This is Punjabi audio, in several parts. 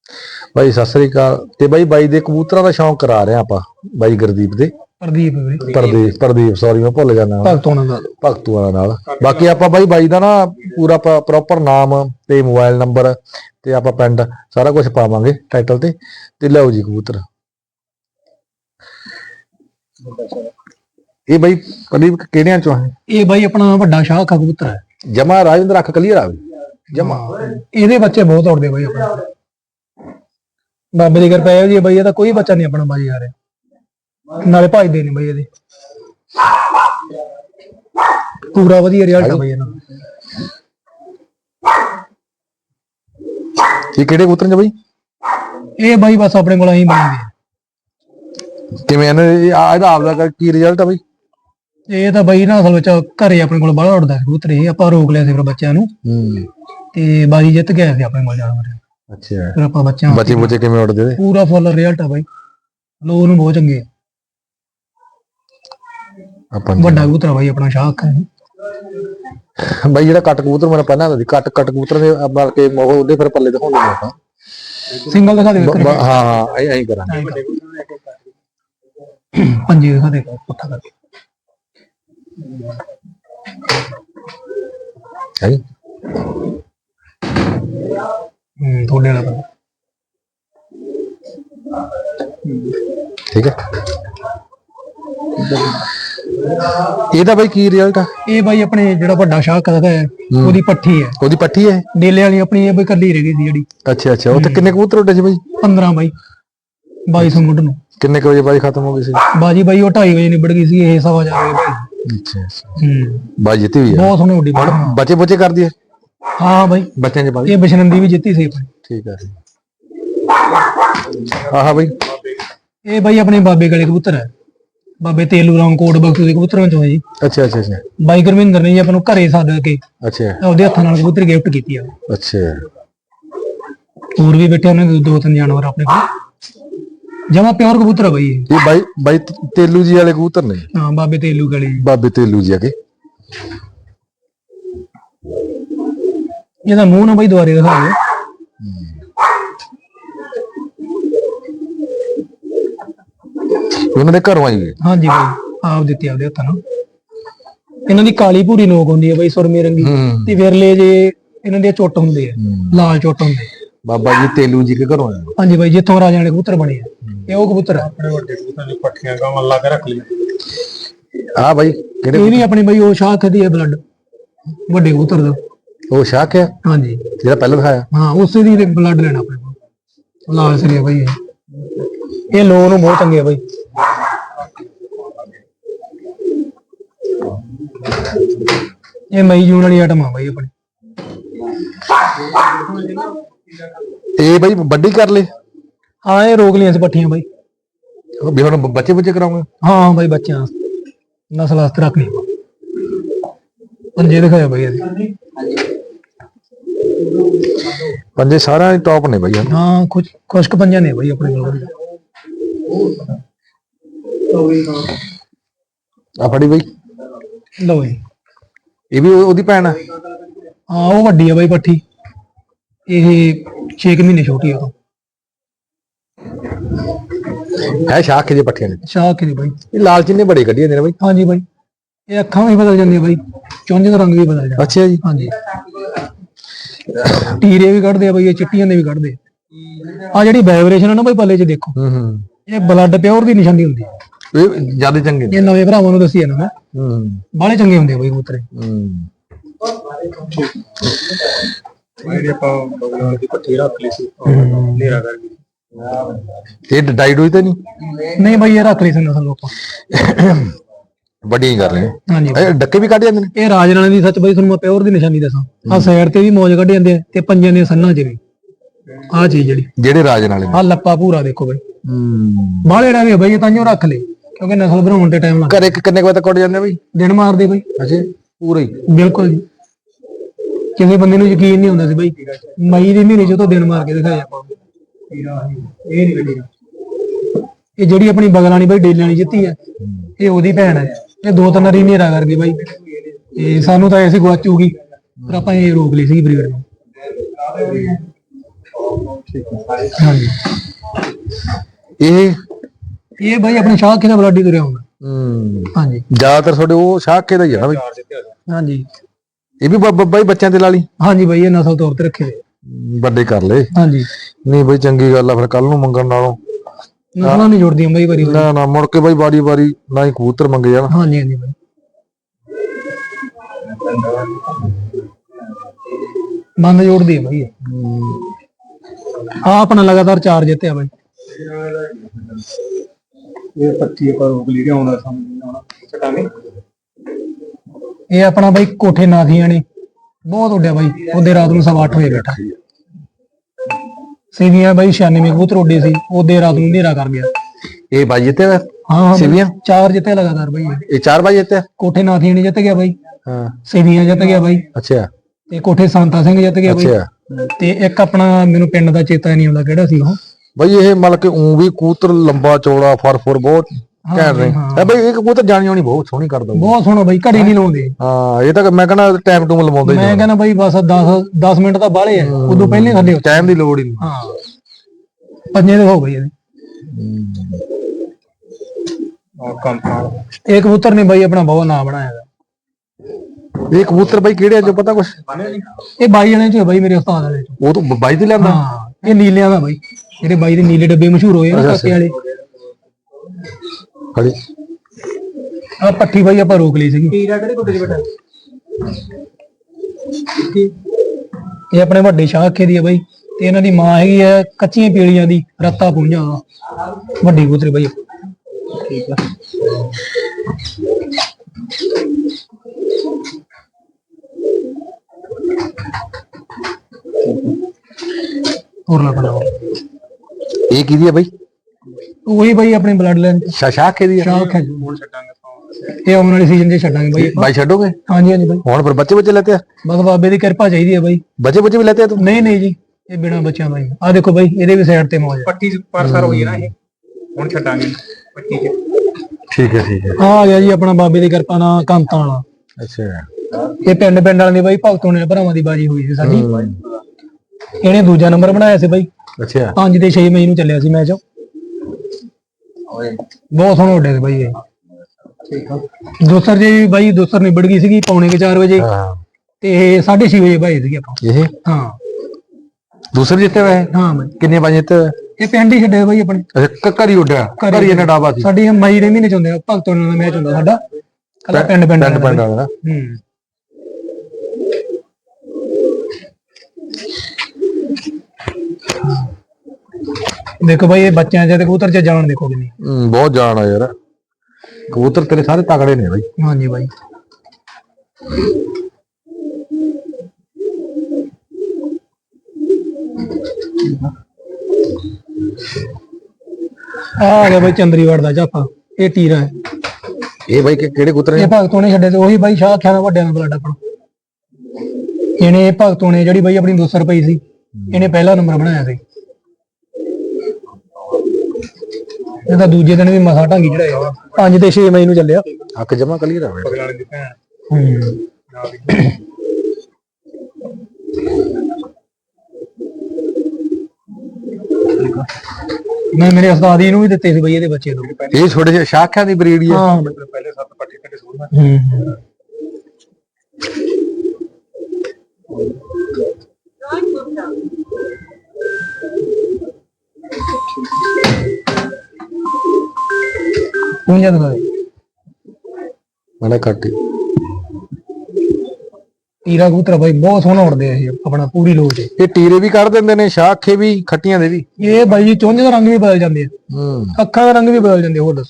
ਬਾਈ ਸਤਿ ਸ੍ਰੀ ਅਕਾਲ। ਤੇ ਬਾਈ ਦੇ ਕਬੂਤਰਾਂ ਦਾ ਸ਼ੌਂਕ ਕਰਾ ਰਹੇ ਆਪਾਂ ਬਾਈ ਗੁਰਦੀਪ ਦੇ। ਪ੍ਰਦੀਪ ਸੌਰੀ ਮੈਂ ਭੁੱਲ ਜਾਣਾ, ਭਗਤੂਆਂ ਨਾਲ। ਬਾਕੀ ਆਪਾਂ ਬਾਈ ਦਾ ਨਾ ਪੂਰਾ ਪ੍ਰੋਪਰ ਨਾਮ ਤੇ ਮੋਬਾਈਲ ਨੰਬਰ ਤੇ ਆਪਾਂ ਪਿੰਡ ਸਾਰਾ ਕੁਝ ਪਾਵਾਂਗੇ ਟਾਈਟਲ ਤੇ ਲਓ ਜੀ ਕਬੂਤਰ। ਇਹ ਬਾਈ ਪ੍ਰਦੀਪ ਕਿਹੜਿਆਂ ਚੋਂ ਹੈ? ਇਹ ਬਾਈ ਆਪਣਾ ਵੱਡਾ ਸ਼ਾਹ ਕਬੂਤਰ ਹੈ। ਜਮਾ ਰਾਜਿੰਦਰ ਅੱਖ ਕਲੀਅਰ ਆਵੇ ਜਮਾ। ਇਹਦੇ ਬੱਚੇ ਬਹੁਤ ਉੜਦੇ ਬਾਈ ਆਪਣੇ, ਬਾਬੇ ਦੀ ਕਿਰਪਾ ਹੈ ਜੀ ਬਾਈ। ਇਹਦਾ ਕੋਈ ਬੱਚਾ ਨਹੀਂ ਆਪਣਾ ਬਾਜੀ ਆ ਰਿਹਾ, ਨਾਲੇ ਭਜਦੇ ਨੇ ਬਾਈ। ਇਹਦੇ ਪੂਰਾ ਵਧੀਆ ਰਿਜ਼ਲਟ ਆ ਬਾਈ ਇਹਨਾਂ ਦਾ। ਇਹ ਕਿਹੜੇ ਕਬੂਤਰ ਨੇ ਬਾਈ? ਇਹ ਬਾਈ ਬਸ ਆਪਣੇ ਕੋਲ ਅਸੀਂ ਬਣਾਉਂਦੇ ਆ। ਕਿਵੇਂ ਇਹਦਾ ਆਪਦਾ ਕੀ ਰਿਜ਼ਲਟ ਆ ਬਾਈ? ਇਹ ਤਾਂ ਬਾਈ ਨਾ ਅਸਲ ਵਿੱਚ ਘਰੇ ਆਪਣੇ ਕੋਲ ਬਾਹਲਾ ਉੱਡਦਾ ਕਬੂਤਰ। ਇਹ ਆਪਾਂ ਰੋਕ ਲਿਆ ਸੀ ਫਿਰ ਬੱਚਿਆਂ ਨੂੰ, ਤੇ ਬਾਜੀ ਜਿੱਤ ਗਿਆ ਸੀ ਆਪਣੇ ਕੋਲ ਜਾਨਵਰ। ਅੱਛਾ, ਫਿਰ ਆਪਾਂ ਬੱਚੇ ਕਿਵੇਂ ਉੱਡਦੇ? ਪੂਰਾ ਫੁੱਲ ਰਿਜ਼ਲਟ ਆ ਬਾਈ, ਲੋਕ ਨੂੰ ਬਹੁਤ ਚੰਗੇ। ਵੱਡਾ ਕਬੂਤਰ ਬਾਈ ਆਪਣਾ ਸ਼ਾਹ ਅੱਖ ਬਾਈ। ਜਿਹੜਾ ਕੱਟ ਕਬੂਤਰ ਮੈਨੂੰ ਪਹਿਲਾਂ ਆਉਂਦਾ ਸੀ, ਕੱਟ ਕਬੂਤਰ ਦੇ ਮਾਰ ਕੇ ਉਹਦੇ ਫਿਰ ਪੱਲੇ ਦਿਖਾਉਂਦੇ ਨੇ ਆਪਾਂ। ਸਿੰਗਲ ਦਿਖਾ ਦੇ। ਹਾਂ ਐਂ ਕਰਾਂਗੇ। ਪੰਜੇ ਦਿਖਾ ਦੇ ਪੁੱਠਾ ਕਰਕੇ। ਥੋੜੇ ਵਾਲਾ ਬੰਦਾ ਠੀਕ ਹੈ। ਇਹਦਾ ਬਾਈ ਕੀ ਰਿਜ਼ਲਟ ਆ? ਇਹ ਬਾਈ ਆਪਣੇ ਜਿਹੜਾ ਵੱਡਾ ਸ਼ਾਹ ਕਰਦਾ ਹੈ ਉਹਦੀ ਪੱਠੀ ਹੈ। ਉਹਦੀ ਪੱਠੀ ਹੈ ਡੇਲੇ ਵਾਲੀ ਆਪਣੀ ਇਹ ਬਈ ਕੱਲੀ ਰਹਿ ਗਈ ਸੀ ਜਿਹੜੀ। ਅੱਛਾ ਉੱਥੇ ਕਿੰਨੇ ਕਬੂਤਰ ਉੱਡੇ ਸੀ ਬਾਈ? 15 ਬਾਈ 2200 ਮੁੱਢ ਨੂੰ। ਕਿੰਨੇ ਵਜੇ ਬਾਜੀ ਖਤਮ ਹੋ ਗਈ ਸੀ? ਬਾਜੀ ਬਾਈ ਉਹ 2:30 ਵਜੇ ਨਿਬੜ ਗਈ ਸੀ। ਇਹ 4:15 ਵਜੇ ਬਾਈ। ਅੱਛਾ ਬਾਜੀ ਜਿੱਤੀ ਹੋਈ ਹੈ, ਬਹੁਤ ਸੋਹਣੀ ਉੱਡੀ। ਬੱਚੇ ਕਰਦੀ ਹੈ? ਹਾਂ ਬਾਈ ਬੱਚਿਆਂ ਚ ਬਾਜੀ। ਇਹ ਬਿਸ਼ਨੰਦੀ ਵੀ ਜਿੱਤੀ ਸੀ ਆਪਣੀ। ਠੀਕ ਹੈ। ਆਹ ਬਾਈ ਇਹ ਬਾਈ ਆਪਣੇ ਬਾਬੇ ਗਲੇ ਕਬੂਤਰ ਹੈ। ਬਾਬੇ ਤੇਲੂ ਰਾਮ ਕੋਟ ਬਖਸ਼ੂ ਦੇ ਕਬੂਤਰਾਂ ਚੋਂ ਹੈ ਜੀ। ਅੱਛਾ ਬਾਈ ਗੁਰਵਿੰਦਰ ਨੇ ਜੀ ਆਪਾਂ ਨੂੰ ਘਰੇ ਸੱਦ ਕੇ ਉਹਦੇ ਹੱਥਾਂ ਨਾਲ ਕਬੂਤਰ ਗਿਫਟ ਕੀਤੀ ਆ। ਅੱਛਾ, ਹੋਰ ਵੀ ਬੈਠੇ ਉਹਨਾਂ ਦੇ 2-3 ਜਾਨਵਰ ਆਪਣੇ ਕੋਲ। ਜਮਾ ਪਿਓਰ ਕਬੂਤਰ ਆ ਬਾਈ ਇਹ। ਬਾਈ ਤੇਲੂ ਜੀ ਵਾਲੇ ਕਬੂਤਰ ਨੇ? ਹਾਂ ਬਾਬੇ ਤੇਲੂ ਗਲੇ। ਬਾਬੇ ਤੇਲੂ ਜੀ ਆਗੇ। ਇਹਦਾ ਮੂੰਹ ਨਾ ਬਾਈ ਦੁਆਰੇ ਦਿਖਾ ਦਿਓ। ਉਹਨਾਂ ਦੇ ਘਰੋਂ ਆਈ? ਹਾਂਜੀ ਬਾਈ ਆਪ ਦਿੱਤੀ ਆਪਦੇ ਹੱਥਾਂ ਨਾਲ। ਇਹਨਾਂ ਦੀ ਕਾਲੀ ਭੂਰੀ ਨੋਕ ਹੁੰਦੀ ਹੈ ਬਾਈ, ਸੁਰਮੇ ਰੰਗੀ। ਤੇ ਵਿਰਲੇ ਜੇ ਇਹਨਾਂ ਦੇ ਚੁੱਟ ਹੁੰਦੇ ਆ, ਲਾਲ ਚੁੱਟ ਹੁੰਦੇ। ਬਾਬਾ ਜੀ ਤੇਲੂ ਜੀ ਕੇ ਘਰੋਂ ਆਏ? ਹਾਂਜੀ ਬਾਈ, ਜਿੱਥੋਂ ਰਾਜਿਆਂ ਦੇ ਕਬੂਤਰ ਬਣੇ ਆ ਇਹ ਉਹ ਕਬੂਤਰ ਆ। ਆਪਣੇ ਵੱਡੇ ਕਬੂਤਰਾਂ ਦੀ ਪੱਠੀਆਂ ਗਾਵਾਂ ਲਾ ਕੇ ਰੱਖ ਲਈ। ਆ ਬਾਈ ਕਿਹੜੇ? ਇਹ ਵੀ ਆਪਣੀ ਬਾਈ ਉਹ ਸ਼ਾਖ ਦੀ ਹੈ ਬਲੱਡ ਵੱਡੇ ਕਬੂਤਰ ਦਾ। ਉਹ ਸ਼ਾਖ ਹੈ? ਹਾਂਜੀ ਜਿਹੜਾ ਪਹਿਲਾਂ ਦਿਖਾਇਆ। ਹਾਂ ਉਸੇ ਦੀ ਬਲੱਡ ਲੈਣਾ ਆਪਣੇ ਕੋਲ। ਲਾਲ ਸਰੀਆ ਬਾਈ ਇਹ ਲੋਕ ਨੂੰ ਬਹੁਤ ਚੰਗੇ ਆ ਬਾਈ। ਇਹ ਮਈ ਜੂਨ ਵਾਲੀ ਆਈਟਮ ਆ ਬਾਈ ਆਪਣੀ। ਇਹ ਬਾਈ ਵੱਡੀ ਕਰ ਲੈ? ਹਾਂ ਇਹ ਰੋਕ ਲਈਆਂ ਸੀ ਪੱਠੀਆਂ ਬਾਈ। ਵੀ ਹੁਣ ਬੱਚੇ ਕਰਾਉਂਗੇ? ਹਾਂ ਬਾਈ ਬੱਚਿਆਂ ਨਸਲ ਵਾਸਤੇ ਰੱਖ ਲਈ। ਪੰਜੇ ਦਿਖਾਇਆ ਬਾਈ ਅਸੀਂ। ਪੰਜੇ ਸਾਰਿਆਂ ਟੌਪ ਨੇ ਬਾਈ। ਹਾਂ ਕੁਛ ਕੁ ਪੰਜਾਂ ਨੇ ਬਾਈ ਆਪਣੇ ਕੋਲ। ਆ ਫੜੀ ਬਾਈ। ਲਓ ਜੀ। ਇਹ ਵੀ ਉਹਦੀ ਭੈਣ ਆ? ਹਾਂ ਉਹ ਵੱਡੀ ਆ ਬਾਈ ਪੱਠੀ। ਇਹ 6 ਮਹੀਨੇ ਛੋਟੀ ਆ। ਹੈ ਸ਼ਾਖ ਦੇ ਪੱਠੀਆਂ ਨੇ? ਸ਼ਾਖ ਦੀ ਬਾਈ। ਇਹ ਲਾਲ ਚਿੰਨੇ ਬੜੇ ਕੱਢੀਆਂ ਨੇ ਬਾਈ। ਹਾਂਜੀ ਬਾਈ ਇਹ ਅੱਖਾਂ ਵੀ ਬਦਲ ਜਾਂਦੀਆਂ ਬਾਈ, ਚੁੰਝ ਦਾ ਰੰਗ ਵੀ ਬਦਲ ਜਾਂਦਾ। ਅੱਛਾ ਜੀ। ਹਾਂਜੀ ਟੀਰੇ ਵੀ ਕੱਢਦੇ ਆ ਬਾਈ, ਇਹ ਚਿੱਟੀਆਂ ਦੇ ਵੀ ਕੱਢਦੇ ਆ। ਜਿਹੜੀ ਵਾਈਬ੍ਰੇਸ਼ਨ ਆ ਨਾ ਬਾਈ ਪੱਲੇ 'ਚ ਦੇਖੋ, ਇਹ ਬਲੱਡ ਪਿਓਰ ਦੀ ਨਿਸ਼ਾਨੀ ਹੁੰਦੀ ਹੈ। ਇਹ ਜਿਆਦਾ ਚੰਗੇ ਨੇ। ਇਹ ਨਵੇਂ ਭਰਾਵਾਂ ਨੂੰ ਦੱਸੀ ਜਾਂਦਾ ਮੈਂ। ਬਾਹਲੇ ਚੰਗੇ ਹੁੰਦੇ ਆ ਬਾਈ ਕਬੂਤਰ। ਜਿਹੜੀ ਆਪਾਂ ਬਗਲਾਂ ਦੀ ਪੱਠੀ ਰੱਖ ਲਈ ਸੀ ਹਨੇਰਾ ਕਰਕੇ। ਇਹ ਡਾਈਡ ਹੋਈ ਤਾਂ ਨਹੀਂ ਬਾਈ, ਇਹ ਰੱਖ ਲਈ ਸੀ ਨਸਲ ਆਪਾਂ ਵੱਡੀ ਕਰ ਰਹੇ। ਹਾਂਜੀ ਇਹ ਡੱਕੇ ਵੀ ਕੱਢ ਜਾਂਦੇ ਨੇ? ਇਹ ਰਾਜਨਾਣਾ ਦੀ ਸੱਚ ਬਾਈ ਤੁਹਾਨੂੰ ਮੈਂ ਪਿਓਰ ਦੀ ਨਿਸ਼ਾਨੀ ਦੱਸਾਂ। ਆਹ ਸਾਈਡ ਤੇ ਵੀ ਮੌਜ ਕੱਢ ਜਾਂਦੇ ਆ ਤੇ ਪੰਜਾਂ ਦੀਆਂ ਸੰਨਾਂ 'ਚ ਵੀ। ਆਹ ਚੀਜ਼ ਜਿਹੜੇ ਰਾਜ ਨਾਲੇ ਆਹ ਲੱਪਾ ਪੂਰਾ ਦੇਖੋ ਬਾਈ। ਬਾਹਲੇ ਡਾਵੇ ਆ ਬਾਈ, ਤਾਂਹੀਓ ਰੱਖ ਲੈ ਕਿਉਂਕਿ ਨਸਲ ਬਣਾਉਣ ਤੇ ਟਾਈਮ ਲੱਗਦਾ। ਘਰੇ ਕਿੰਨੇ ਵਜੇ ਤੱਕ ਉੱਡ ਜਾਂਦੇ ਬਾਈ? ਦਿਨ ਮਾਰਦੇ ਬਾਈ। ਅੱਛਾ ਪੂਰਾ ਹੀ? ਬਿਲਕੁਲ ਜੀ। ਕਿਸੇ ਬੰਦੇ ਨੂੰ ਯਕੀਨ ਨਹੀਂ ਹੁੰਦਾ ਸੀ ਬਾਈ। ਮਈ ਦੇ ਮਹੀਨੇ 'ਚ ਉਹ ਦਿਨ ਮਾਰ ਕੇ ਦਿਖਾਇਆ ਆਪਾਂ। ਇਹ ਜਿਹੜੀ ਆਪਣੀ ਬਗਲ ਵਾਲੀ ਬਾਈ ਡੇਲੇ ਵਾਲੀ ਜਿੱਤੀ ਹੈ, ਇਹ ਉਹਦੀ ਭੈਣ ਹੈ। ਇਹ 2-3 ਵਾਰੀ ਹਨੇਰਾ ਕਰ ਗਈ ਬਾਈ। ਤੇ ਸਾਨੂੰ ਤਾਂ ਐਸੀ ਗਵਾਚੂਗੀ, ਪਰ ਆਪਾਂ ਇਹ ਰੋਕ ਲਈ ਸੀ ਬਰੀਡ ਨੂੰ। ਹਾਂਜੀ ਇਹ ਬਾਈ ਆਪਣੇ ਸ਼ਾਹਕੇ ਦਾ ਬਲਾਡੀ ਤੁਰਿਆ ਹੁੰਦਾ। ਹਾਂਜੀ ਜ਼ਿਆਦਾਤਰ ਤੁਹਾਡੇ ਉਹ ਸ਼ਾਹਕੇ ਦਾ ਹੀ ਆ ਬਈ। ਹਾਂਜੀ ਇਹ ਵੀ ਬਾਈ ਬੱਚਿਆਂ ਤੇ ਲਾ ਲਈ। ਹਾਂਜੀ ਬਾਈ ਇਹ ਨਸਲ ਤੌਰ ਤੇ ਰੱਖੇ ਹੋਏ ਵੱਡੇ ਕਰ ਲਏ। ਹਾਂਜੀ ਨਹੀਂ ਬਈ ਚੰਗੀ ਗੱਲ ਆ, ਫਿਰ ਕੱਲ ਨੂੰ ਮੰਗਣ ਨਾਲੋਂ ਨਸਲਾਂ ਨਹੀਂ ਜੁੜਦੀਆਂ ਬਾਈ ਵਾਰੀ ਨਾ ਨਾ ਮੁੜ ਕੇ ਬਾਈ ਵਾਰੀ ਵਾਰੀ ਨਾ ਹੀ ਕਬੂਤਰ ਮੰਗੇ ਜਾਣ। ਹਾਂਜੀ ਹਾਂਜੀ ਬਾਈ ਬੰਦ ਜੋੜਦੀ ਹੈ ਬਾਈ ਆ ਆਪਣਾ ਲਗਾਤਾਰ 4 ਜਿੱਤਿਆ ਬਾਈ। ਇਹ 25 ਪਰ ਉਗਲੀ ਆਉਣਾ ਸਾਹਮਣੇ ਛਟਾਂਗੇ। ਇਹ ਆਪਣਾ ਬਾਈ ਕੋਠੇ ਨਾਥੀਆਂ ਨੇ ਬਹੁਤ ਉੱਡਿਆ ਬਾਈ। ਉਹਦੇ ਰਾਤ ਨੂੰ 8:15 ਵਜੇ ਬੈਠਾ ਸੀਵੀਆਂ ਬਾਈ 96 ਕਬੂਤਰ ਉੱਡੇ ਸੀ। ਉਹਦੇ ਰਾਤ ਨੂੰ ਹਨੇਰਾ ਕਰ ਗਿਆ। ਇਹ ਬਾਈ ਜਿੱਤੇ ਵਾ ਹਾਂ ਸੀਵੀਆਂ 4 ਜਿੱਤੇ ਲਗਾਤਾਰ ਬਾਈ। ਇਹ 4 ਬਾਈ ਜਿੱਤੇ। ਕੋਠੇ ਨਾਥੀਆਂ ਨੇ ਜਿੱਤ ਗਿਆ ਬਾਈ। ਹਾਂ ਸੀਵੀਆਂ ਜਿੱਤ ਗਿਆ ਬਾਈ। ਅੱਛਾ ਤੇ ਕੋਠੇ ਸੰਤਾ ਸਿੰਘ ਜਿੱਤ ਗਿਆ ਬਾਈ। ਅੱਛਾ ਤੇ ਇੱਕ ਆਪਣਾ ਮੈਨੂੰ ਪਿੰਡ ਦਾ ਚੇਤਾ ਨਹੀਂ ਆਉਂਦਾ ਕਿਹੜਾ ਸੀ ਉਹ ਬਈ। ਇਹ ਮਤਲਬ ਕਿ ਵੀ ਕਬੂਤਰ ਲੰਬਾ ਚੌੜਾ ਫਰ ਬਹੁਤ ਘੈਂਟ ਰਹੇ ਹੈ ਬਈ। ਇਹ ਕਬੂਤਰ ਜਾਣੀ ਆਉਣੀ ਬਹੁਤ ਸੋਹਣੀ ਕਰਦਾ, ਬਹੁਤ ਸੋਹਣਾ ਬਾਈ। ਘੜੀ ਨਹੀਂ ਲਾਉਂਦੇ। ਹਾਂ ਇਹ ਤਾਂ ਮੈਂ ਕਹਿੰਦਾ ਟਾਈਮ ਟੂਮ ਲਵਾਉਂਦੇ। ਮੈਂ ਕਹਿੰਦਾ ਬਾਈ ਬਸ 10 ਮਿੰਟ ਤਾਂ ਬਾਹਲੇ ਆ, ਉਦੋਂ ਪਹਿਲੇ ਥੱਲੇ ਟਾਈਮ ਦੀ ਲੋੜ ਹੀ ਨਹੀਂ। ਹਾਂ ਪੰਜੇ ਦੇ ਹੋ ਗਈ ਇਹਦੇ। ਇਹ ਕਬੂਤਰ ਨੇ ਬਾਈ ਆਪਣਾ ਬਹੁਤ ਨਾਂ ਬਣਾਇਆ ਹੈਗਾ। ਇਹ ਕਬੂਤਰ ਬਾਈ ਕਿਹੜੇ ਆ ਜੋ ਪਤਾ ਕੁਛ? ਇਹ ਬਾਈ ਜਣੇ ਚ ਬਾਈ ਮੇਰੇ ਉਸਤਾਦ ਵਾਲੇ ਚ। ਉਹ ਤੋਂ ਬਾਈ ਤੇ ਲਿਆਂਦਾ। ਹਾਂ ਇਹ ਨੀਲਿਆਂ ਦਾ ਬਾਈ। ਜਿਹੜੇ ਬਾਈ ਦੇ ਨੀਲੇ ਡੱਬੇ ਮਸ਼ਹੂਰ ਹੋਏ ਨਾ ਕਾਕੇ ਵਾਲੇ। ਖੜੀ ਆ ਪੱਠੀ ਬਾਈ ਆਪਾਂ ਰੋਕ ਲਈ ਸੀਗੀ। ਇਹ ਆਪਣੇ ਵੱਡੇ ਸ਼ਾਹਕੇ ਦੀ ਆ ਬਾਈ। ਤੇ ਇਹਨਾਂ ਦੀ ਮਾਂ ਹੈਗੀ ਆ ਕੱਚੀਆਂ ਪੀਲੀਆਂ ਦੀ ਰੱਤਾ ਪੁੰਝਾ ਵੱਡੀ ਕਬੂਤਰੀ ਬਾਈ। ਠੀਕ ਆ ਹੋਰ ਨਾ ਬਣਾਓ। ਇਹ ਕਿਹਦੀ ਆ ਬਾਈ? ਉਹੀ ਬਾਈ ਆਪਣੇ ਬਲੱਡ ਲਾਈਨ ਸ਼ਾਹਕੇ ਦੀ ਆ। ਸ਼ਾਹਕ ਹੈ। ਹੁਣ ਛੱਡਾਂਗੇ ਇਹ ਆਉਣ ਵਾਲੇ ਸੀਜ਼ਨ 'ਚ ਛੱਡਾਂਗੇ ਬਾਈ। ਬਾਈ ਛੱਡੋਗੇ? ਹਾਂਜੀ ਹਾਂਜੀ ਬਾਈ। ਹੁਣ ਫਿਰ ਬੱਚੇ ਲੈਤੇ ਆ? ਬਸ ਬਾਬੇ ਦੀ ਕਿਰਪਾ ਚਾਹੀਦੀ ਹੈ ਬਾਈ। ਬੱਚੇ ਵੀ ਲੈਤੇ ਆ ਤੂੰ? ਨਹੀਂ ਨਹੀਂ ਜੀ ਇਹ ਬਿਨਾਂ ਬੱਚਿਆਂ ਦਾ ਹੀ ਆ। ਦੇਖੋ ਬਾਈ ਇਹਦੇ ਵੀ ਸਾਈਡ ਤੇ ਮੌਜ ਪੱਟੀ ਪਰਸਰ ਹੋਈ ਨਾ ਇਹ। ਹੁਣ ਛੱਡਾਂਗੇ ਪੱਟੀ 'ਚ। ਠੀਕ ਹੈ ਠੀਕ ਹੈ। ਆ ਗਿਆ ਜੀ ਆਪਣਾ ਬਾਬੇ ਦੀ ਕਿਰਪਾ ਨਾਲ ਕੰਤਾਂ ਵਾਲਾ। ਅੱਛਾ ਇਹ ਪਿੰਡ ਵਾਲਿਆਂ ਦੀ ਬਾਈ ਭਗਤੋਂ ਨੇ ਭਰਾਵਾਂ ਦੀ ਬਾਜੀ ਹੋਈ ਸੀ ਸਾਡੀ। ਇਹਨੇ ਦੂਜਾ ਨੰਬਰ ਬਣਾਇਆ ਸੀ ਬਾਈ। ਅੱਛਾ 5 ਤੇ 6 ਮਈ ਨੂੰ ਚੱਲਿਆ ਸੀ ਮੈਚ। ਬਹੁਤ ਸੋਹਣਾ ਉੱਡਿਆ ਸੀ ਬਾਈ ਇਹ। ਠੀਕ ਆ ਦੋਸਰ ਜੀ ਬਾਈ ਦੋਸਰ ਨਿਬੜ ਗਈ ਸੀਗੀ ਪੌਣੇ 4 ਵਜੇ। ਤੇ 6:30 ਵਜੇ ਭਾਈ ਸੀਗੇ ਆਪਾਂ। ਇਹ ਹਾਂ ਦੂਸਰੇ ਜਿੱਤੇ ਵੇ। ਹਾਂ ਬਾਈ ਕਿੰਨੇ ਵਜੇ ਜਿੱਤੇ? ਇਹ ਪਿੰਡ ਹੀ ਛੱਡੇ ਬਾਈ ਆਪਣੇ। ਅੱਛਾ ਘਰੀ ਉੱਡਿਆ। ਘਰੀ ਇਹਨੇ ਡਾਬਾ ਸੀ। ਸਾਡੀ ਮਈ ਦੇ ਮਹੀਨੇ ਚ ਹੁੰਦੇ ਆ ਭਗਤੋਂ ਦਾ ਮੈਚ ਹੁੰਦਾ ਸਾਡਾ। ਕੱਲਾ ਪਿੰਡ ਵਾਲਾ। ਦੇਖੋ ਬਾਈ ਇਹ ਬੱਚਿਆਂ ਚ ਤੇ ਕਬੂਤਰ ਚ ਜਾਣ ਦੇਖੋ ਕਿੰਨੀ। ਬਹੁਤ ਜਾਣ ਆ ਯਾਰ। ਕਬੂਤਰ ਤੇਰੇ ਸਾਰੇ ਤਗੜੇ ਨੇ ਬਾਈ। ਹਾਂਜੀ ਬਾਈ ਆ ਗਿਆ ਬਾਈ ਚੰਦਰੀਵਾੜ ਦਾ ਜਾਫਾ। ਇਹ ਟੀਰਾ ਹੈ। ਇਹ ਬਾਈ ਕਿਹੜੇ ਕਬੂਤਰ ਨੇ? ਇਹ ਭਗਤੋਂ ਨੇ ਛੱਡੇ ਤੇ ਉਹੀ ਬਾਈ ਸ਼ਾਹ ਖਿਆਣਾ ਵੱਡਿਆਂ ਦਾ ਬਲੱਡ ਆਪਣਾ। ਇਹਨੇ ਭਗਤੋਂ ਨੇ ਜਿਹੜੀ ਬਾਈ ਆਪਣੀ 200 ਰੁਪਏ ਸੀ ਇਹਨੇ ਪਹਿਲਾ ਨੰਬਰ ਬਣਾਇਆ ਸੀ। ਇਹਦਾ ਦੂਜੇ ਦਿਨ ਵੀ ਮਸਾ ਢਾਂਗੀ ਚੜਾਇਆ। 5 ਤੇ 6 ਮਈ ਨੂੰ ਚੱਲਿਆ। ਅੱਖ ਜਮਾ ਕਲੀਅਰ ਆ ਬਗਲ ਵਾਲੇ ਦੀ ਭੈਣ। ਮੈਂ ਮੇਰੇ ਉਸਤਾਦ ਜੀ ਨੂੰ ਵੀ ਦਿੱਤੇ ਸੀ ਬਈ ਇਹਦੇ ਬੱਚੇ ਨੂੰ। ਇਹ ਛੋਟੇ ਜਿਹੇ ਸ਼ਾਖਿਆਂ ਦੀ ਬਰੀਡ ਹੀ ਆ। ਹਾਂ ਪਹਿਲੇ 7 ਪੱਠੇ ਕੱਢੇ ਸੂਰਮਾ। ਪੁੰਜਾ ਦਾ ਮਾੜਾ ਕੱਟ। ਟੀਰਾ ਕਬੂਤਰ ਬਾਈ ਬਹੁਤ ਸੋਹਣਾ ਉੜਦੇ ਆ ਇਹ ਆਪਣਾ ਪੂਰੀ ਲੋਚ ਚ। ਇਹ ਟੀਰੇ ਵੀ ਕੱਢ ਦਿੰਦੇ ਨੇ ਸ਼ਾਖੇ ਵੀ ਖੱਟੀਆਂ ਦੇ ਵੀ। ਇਹ ਬਾਈ ਜੀ ਚੁੰਝ ਦਾ ਰੰਗ ਵੀ ਬਦਲ ਜਾਂਦੇ ਆ। ਅੱਖਾਂ ਦਾ ਰੰਗ ਵੀ ਬਦਲ ਜਾਂਦੇ। ਹੋਰ ਦੱਸੋ।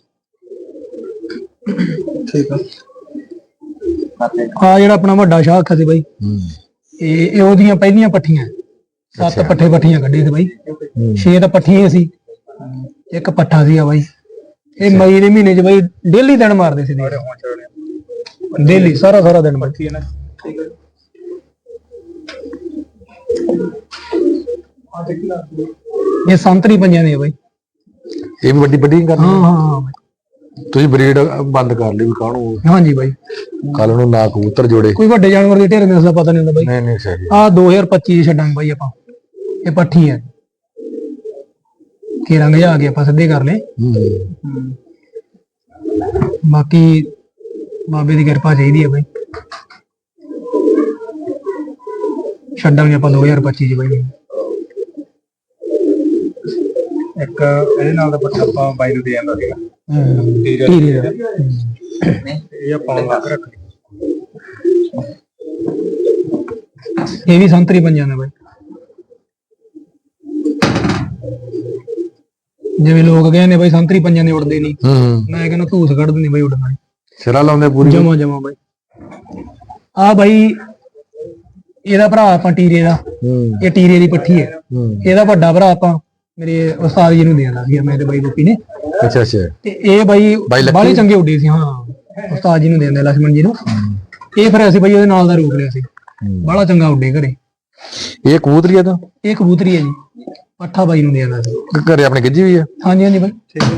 ਠੀਕ ਆ ਆ ਜਿਹੜਾ ਆਪਣਾ ਵੱਡਾ ਸ਼ਾਖ ਸੀ ਬਾਈ ਇਹ ਉਹਦੀਆਂ ਪਹਿਲੀਆਂ ਪੱਠੀਆਂ 7 ਪੱਠੀਆਂ ਕੱਢੇ ਸੀ ਬਾਈ। 6 ਤਾਂ ਪੱਠੀਆਂ ਸੀ ਇੱਕ ਪੱਠਾ ਸੀ ਆ ਬਾਈ। ਇਹ ਮਈ ਦੇ ਮਹੀਨੇ ਚ ਬਾਈ ਡੇਲੀ ਦਿਨ ਮਾਰਦੇ ਸੀ ਡੇਲੀ ਸਾਰਾ ਦਿਨ ਪੱਠੀ ਹੈ ਨਾ। ਠੀਕ ਹੈ ਇਹ ਸੰਤਰੀ ਪੰਜਾਂ ਦੇ ਆ ਬਾਈ। ਇਹ ਵੀ ਵੱਡੀ ਕਰਨੀ। ਹਾਂ ਤੁਸੀਂ ਬਰੀਡ ਬੰਦ ਕਰ ਲਈ ਵੀ ਕਾਹਨੂੰ। ਹਾਂਜੀ ਬਾਈ ਕੱਲ ਨੂੰ ਨਾ ਕਬੂਤਰ ਜੋੜੇ। ਕੋਈ ਵੱਡੇ ਜਾਨਵਰ ਦੇ ਢੇਰ ਦਾ ਪਤਾ ਨਹੀਂ ਹੁੰਦਾ ਬਾਈ। ਨਹੀਂ ਸਹੀ। ਆ 2025 ਛੱਡਾਂਗੇ ਬਾਈ ਆਪਾਂ। ਇਹ ਪੱਠੀ ਹੈ ਕੇ ਰੰਗ ਜਾ ਕੇ ਆਪਾਂ ਸਿੱਧੇ ਕਰ ਲਏ। ਬਾਕੀ ਬਾਬੇ ਦੀ ਕਿਰਪਾ ਚਾਹੀਦੀ ਹੈ ਬਾਈ। ਛੱਡਾਂਗੇ ਆਪਾਂ 2025 ਚ ਬਾਈ। ਇੱਕ ਇਹਦੇ ਨਾਲ ਦਾ ਪੱਠਾ ਆਪਾਂ ਬਾਈ ਨੂੰ ਦੇ ਜਾਂਦਾ ਸੀਗਾ ਹੀਰੇ ਦਾ। ਇਹ ਆਪਾਂ ਲੱਗ ਰੱਖ ਇਹ ਵੀ ਸੰਤਰੀ ਪੰਜਾਂ ਦਾ ਬਾਈ। ਜਿਵੇਂ ਲੋਕ ਕਹਿੰਦੇ ਬਾਈ ਸੰਤਰੀ ਪੰਜਾਂ ਦੇ ਉੜਦੇ ਨਹੀਂ, ਮੈਂ ਕਹਿੰਦਾ ਧੂਸ ਕੱਢਦੇ ਨਹੀਂ ਬਾਈ ਉੜਨਾ ਸਿਰਾ ਲਾਉਂਦੇ ਪੂਰੀ ਜਮਾ ਜਮਾ ਬਾਈ। ਆ ਬਾਈ ਇਹਦਾ ਭਰਾ ਆਪਾਂ ਟੀਰੇ ਦਾ, ਇਹ ਟੀਰੇ ਦੀ ਪੱਠੀ ਹੈ। ਇਹਦਾ ਵੱਡਾ ਭਰਾ ਆਪਾਂ ਮੇਰੇ ਉਸਤਾਦ ਜੀ ਨੂੰ ਦੇਣਾ ਸੀ ਮੇਰੇ ਬਾਈ ਗੋਪੀ ਨੇ। ਅੱਛਾ ਅੱਛਾ। ਤੇ ਇਹ ਬਾਈ ਬਾਹਲੇ ਚੰਗੇ ਉੱਡੇ ਸੀ। ਹਾਂ ਉਸਤਾਦ ਜੀ ਨੂੰ ਦੇਂਦੇ ਲక్ష్మణ ਜੀ ਨੂੰ। ਇਹ ਫਿਰ ਅਸੀਂ ਬਾਈ ਉਹਦੇ ਨਾਲ ਦਾ ਰੋਕ ਲਿਆ ਸੀ। ਬਾਹਲਾ ਚੰਗਾ ਉੱਡੇ ਘਰੇ। ਇਹ ਕਬੂਤਰੀ ਆ ਤਾਂ ਇਹ ਕਬੂਤਰੀ ਹੈ ਜੀ, ਪੱਠਾ ਬਾਈ ਨੂੰ ਦੇਣਾ ਸੀ। ਘਰੇ ਆਪਣੇ ਗਿੱਜੀ ਵੀ ਆ? ਹਾਂਜੀ ਹਾਂਜੀ ਬਾਈ। ਠੀਕ ਹੈ।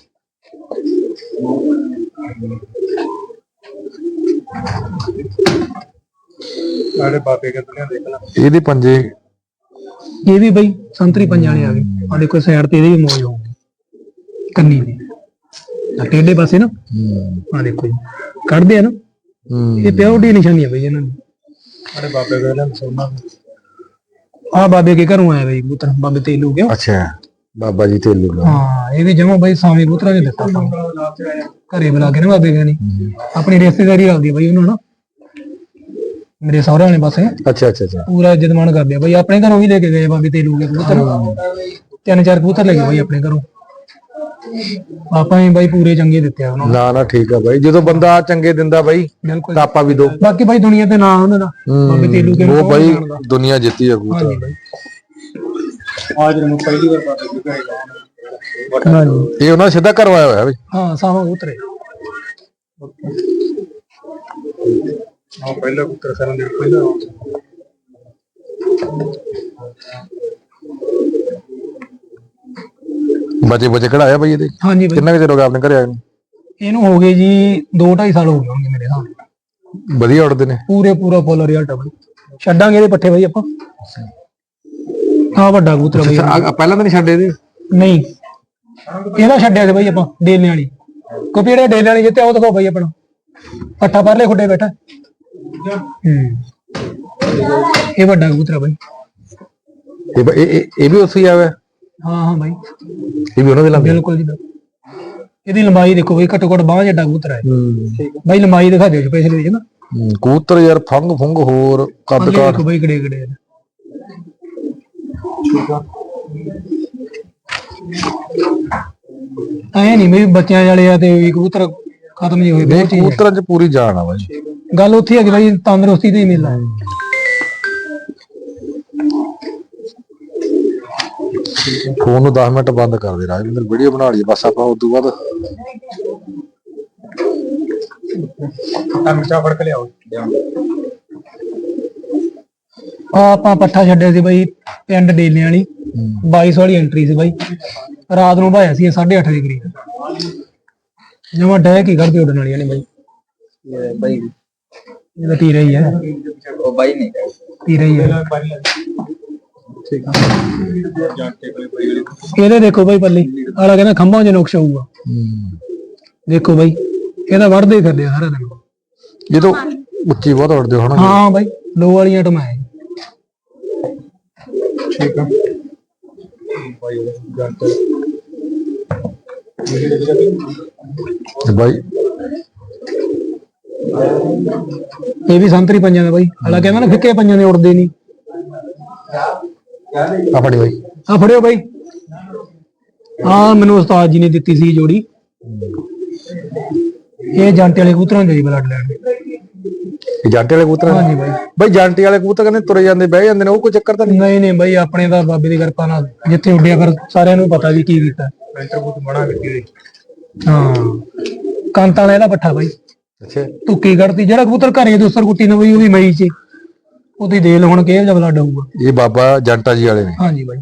ਸਾਡੇ ਬਾਬੇ ਕਹਿੰਦੇ ਦੇਖ ਲੈ ਇਹਦੇ ਪੰਜੇ ਇਹ ਵੀ ਬਾਈ ਸੰਤਰੀ ਪੰਜਾਂ ਵਾਲੇ ਆ ਗਏ। ਆ ਦੇਖੋ ਸਾਈਡ ਤੇ ਇਹਦੇ ਵੀ ਮੋਜ ਹੋਊਗੀ ਕੰਨੀ ਦੀ ਟੇਢੇ ਪਾਸੇ ਨਾ। ਆ ਦੇਖੋ ਜੀ ਕੱਢਦੇ ਆ ਨਾ, ਇਹ ਪਿਓਰਟੀ ਨਿਸ਼ਾਨੀ ਹੈ ਬਾਈ ਇਹਨਾਂ ਦੀ। ਸਾਡੇ ਬਾਬੇ ਕਹਿੰਦੇ ਸੋਨਾ ਆ ਬਾਬੇ ਕੇ ਘਰੋਂ ਆਇਆ ਬਾਈ ਕਬੂਤਰ, ਬਾਬੇ ਤੇਲੂ ਗਿਆ। ਅੱਛਾ ਬਾਬਾ ਜੀ ਤੇਲੂ। ਹਾਂ ਇਹ ਵੀ ਜਮਾ ਬਾਈ ਸਾਵੇਂ ਕਬੂਤਰਾਂ ਨੇ ਦਿੱਤਾ ਆਪਾਂ ਘਰੇ ਬੁਲਾ ਕੇ ਨਾ ਬਾਬੇ ਕਹਿੰਦੇ। ਆਪਣੀ ਰਿਸ਼ਤੇਦਾਰੀ ਆਉਂਦੀ ਬਾਈ ਉਹਨਾਂ ਨਾਲ, ਮੇਰੇ ਸਹੁਰੇ ਵਾਲੇ ਪਾਸੇ। ਅੱਛਾ ਅੱਛਾ ਅੱਛਾ। ਪੂਰਾ ਇੱਜ਼ਤ ਮਾਣ ਕਰਦੇ ਆ ਬਾਈ। ਆਪਣੇ ਘਰੋਂ ਵੀ ਲੈ ਕੇ ਗਏ ਬਾਬੇ ਤੇਲੂ ਕੇ ਕਬੂਤਰ, 3-4 ਕਬੂਤਰ ਲੈ ਗਏ ਬਾਈ ਆਪਣੇ ਘਰੋਂ। ਆਪਾਂ ਵੀ ਬਾਈ ਪੂਰੇ ਚੰਗੇ ਦਿੱਤੇ ਆ ਉਹਨਾਂ ਨੂੰ। ਨਾ ਨਾ ਠੀਕ ਆ ਬਾਈ, ਜਦੋਂ ਬੰਦਾ ਚੰਗੇ ਦਿੰਦਾ ਬਾਈ ਬਿਲਕੁਲ ਤਾਂ ਆਪਾਂ ਵੀ ਦੋ। ਬਾਕੀ ਬਾਈ ਦੁਨੀਆ ਤੇ ਨਾਂ ਉਹਨਾਂ ਦਾ ਬਾਬੇ ਤੇਲੂ ਕੇ ਉਹ ਬਾਈ ਦੁਨੀਆ ਜਿੱਤੀ ਆ ਕਬੂਤਰ। ਹਾਂਜੀ ਬਾਈ। ਆਜ ਨੂੰ ਪਹਿਲੀ ਵਾਰ ਬਾਬੇ ਦੇ ਘਰੇ ਗਿਆ। ਹਾਂਜੀ ਇਹ ਉਹਨਾਂ ਸਿੱਧਾ ਕਰਵਾਇਆ ਹੋਇਆ ਬਾਈ। ਹਾਂ ਸਾਵਾ ਕਬੂਤਰ ਹਾਂ ਪਹਿਲਾ ਪੁੱਤਰ ਕਰਨ ਦੇ ਪਹਿਲਾ ਬਚੇ ਕਢਾਇਆ ਬਾਈ ਇਹਦੇ? ਹਾਂਜੀ ਬਾਈ। ਕਿੰਨਾ ਕੁ ਚਿਰ ਹੋ ਗਿਆ ਆਪਣੇ ਘਰੇ ਆਏ ਨੂੰ? ਇਹਨੂੰ ਹੋ ਗਏ ਜੀ 2-2.5 ਸਾਲ ਹੋ ਗਏ ਹੋਣਗੇ ਮੇਰੇ ਹਿਸਾਬ। ਵਧੀਆ ਉੱਡਦੇ ਨੇ ਪੂਰਾ ਫੁੱਲ ਰਿਜ਼ਲਟ ਆ ਬਾਈ। ਛੱਡਾਂਗੇ ਇਹਦੇ ਪੱਠੇ ਬਾਈ ਆਪਾਂ। ਆ ਵੱਡਾ ਕਬੂਤਰ ਬਾਈ। ਪਹਿਲਾਂ ਤਾਂ ਨਹੀਂ ਛੱਡੇ ਇਹਦੇ? ਨਹੀਂ ਇਹਦਾ ਛੱਡਿਆ ਸੀ ਬਾਈ ਆਪਾਂ ਡੇਲੇ ਵਾਲੀ। ਕਿਉਂਕਿ ਜਿਹੜੇ ਡੇਲੇ ਵਾਲੀ ਜਿੱਤੇ ਉਹ ਦਿਖਾਓ ਬਾਈ ਆਪਣਾ ਪੱਠਾ ਪਰਲੇ ਖੁੱਡੇ ਬੈਠਾ। ਇਹ ਵੱਡਾ ਕਬੂਤਰ ਆ ਬਾਈ। ਇਹ ਵੀ ਉੱਥੇ ਹੀ ਆਇਆ? ਹਾਂ ਬਾਈ ਇਹ ਵੀ ਉਹਨਾਂ ਦੇ ਲਾਗੇ? ਬਿਲਕੁਲ ਜੀ। ਇਹਦੀ ਲੰਬਾਈ ਦੇਖੋ ਬਾਈ, ਘੱਟੋ ਘੱਟ ਬਾਂਹ ਜਿੱਡਾ ਕਬੂਤਰ ਹੈ ਬਾਈ। ਲੰਬਾਈ ਦਿਖਾ ਦਿਓ ਸਪੈਸ਼ਲ ਵਿੱਚ ਨਾ। ਕਬੂਤਰ ਯਾਰ ਫੰਗ ਹੋਰ ਕੱਦ ਕਾਠ ਦੇਖੋ ਬਾਈ ਕਿਹੜੇ ਕਿਹੜੇ। ਐ ਨਹੀਂ ਵੀ ਬੱਚਿਆਂ ਵਾਲੇ ਆ ਤੇ ਵੀ ਕਬੂਤਰ ਖਤਮ ਨਹੀਂ ਹੋਏ। ਬਹੁਤ ਚੀਜ਼ ਕਬੂਤਰਾਂ 'ਚ ਪੂਰੀ ਜਾਨ ਆ ਬਾਈ। ਗੱਲ ਉੱਥੇ ਹੈਗੀ ਬਾਈ, ਤੰਦਰੁਸਤੀ ਤੇ ਹੀ ਮਿਲਦਾ। ਫੋਨ ਨੂੰ 10 ਮਿੰਟ ਬੰਦ ਕਰ ਦੇ ਰਾਜਵਿੰਦਰ, ਵੀਡੀਓ ਬਣਾ ਲਈਏ ਬਸ ਆਪਾਂ। ਉਸ ਤੋਂ ਬਾਅਦ ਮਿਰਚਾ ਫੜ ਕੇ ਲਿਆਓ। ਆਪਾਂ ਪੱਠਾ ਛੱਡਿਆ ਸੀ ਬਾਈ ਪਿੰਡ ਡੇਲੇ ਵਾਲੀ। 2200 ਵਾਲੀ ਐਂਟਰੀ ਸੀ ਬਾਈ। ਰਾਤ ਨੂੰ ਭਾਇਆ ਸੀ 8:30 ਦੇ ਕਰੀਬ। ਜਮਾ ਡੈ ਕੀ ਕਰਦੇ ਉੱਡਣ ਵਾਲੀਆਂ ਨੇ ਬਾਈ। ਬਾਈ ਇਹਦਾ ਤੀਰਾ ਹੀ ਹੈ। ਉਹ ਬਾਈ ਨਹੀਂ ਤੀਰਾ ਹੀ ਹੈ। ਠੀਕ ਆ। ਇਹਦੇ ਦੇਖੋ ਬਾਈ ਪੱਲੀ ਆਲਾ ਕਹਿੰਦਾ ਖੰਭਾਂ 'ਚ ਨੁਕਸ ਆਊਗਾ। ਦੇਖੋ ਬਾਈ ਇਹਦਾ ਵੜਦੇ ਫਿਰਦੇ ਸਾਰਾ ਦਿਨ। ਜਦੋਂ ਉੱਚੀ ਬਹੁਤ ਉੱਡਦੇ ਹੋਣ। ਹਾਂ ਬਾਈ ਲੋ ਵਾਲੀਆਂ ਟਮਾਏ। ਠੀਕ ਆ ਬਾਈ ਜਾਨਤੇ ਬਾਈ। ਇਹ ਵੀ ਸੰਤਰੀ ਪੰਜਾਂ ਦਾ ਬਾਈ। ਆਲਾ ਕਹਿੰਦਾ ਨਾ ਫਿੱਕੇ ਪੰਜਾਂ ਦੇ ਉੱਡਦੇ ਨਹੀਂ। ਆ ਫੜੀ ਬਾਈ, ਆ ਫੜਿਓ ਬਾਈ। ਆ ਮੈਨੂੰ ਉਸਤਾਦ ਜੀ ਨੇ ਦਿੱਤੀ ਸੀ ਜੋੜੀ। ਇਹ ਜਾਂਟੇ ਵਾਲੇ ਕਬੂਤਰਾਂ ਦੇ ਬਲੱਡ ਲੈਣ। ਇਹ ਜਾਂਟੇ ਵਾਲੇ ਕਬੂਤਰ? ਹਾਂਜੀ ਬਾਈ। ਬਾਈ ਜਾਂਟੇ ਵਾਲੇ ਕਬੂਤਰ ਕਹਿੰਦੇ ਤੁਰੇ ਜਾਂਦੇ ਬਹਿ ਜਾਂਦੇ ਨੇ, ਉਹ ਕੋਈ ਚੱਕਰ ਤਾਂ ਨਹੀਂ? ਨਹੀਂ ਬਾਈ ਆਪਣੇ ਤਾਂ ਬਾਬੇ ਦੀ ਕਿਰਪਾ ਨਾਲ ਜਿੱਥੇ ਉੱਡਿਆ ਫਿਰ ਸਾਰਿਆਂ ਨੂੰ ਪਤਾ ਵੀ ਕੀ ਕੀਤਾ। ਪੈਂਟਰ ਬਹੁਤ ਬਣਾ ਕੀਤੀ। ਹਾਂ ਕੰਤਾਂ ਵਾਲਾ ਇਹਦਾ ਪੱਠਾ ਬਾਈ। ਅੱਛਾ। ਤੁੱਕੀ ਕੱਢਤੀ। ਜਿਹੜਾ ਕਬੂਤਰ ਘਰੇ ਦੂਸਰ ਕੁੱਟੀ ਨੇ ਬਾਈ ਉਹ ਵੀ ਮਈ 'ਚ। ਉਹਦੀ ਦੇਲ ਹੁਣ ਕਿਹੋ ਜਿਹਾ ਬਲੱਡ ਆਊਗਾ। ਇਹ ਬਾਬਾ ਜੰਟਾ ਜੀ ਵਾਲੇ ਨੇ? ਹਾਂਜੀ ਬਾਈ।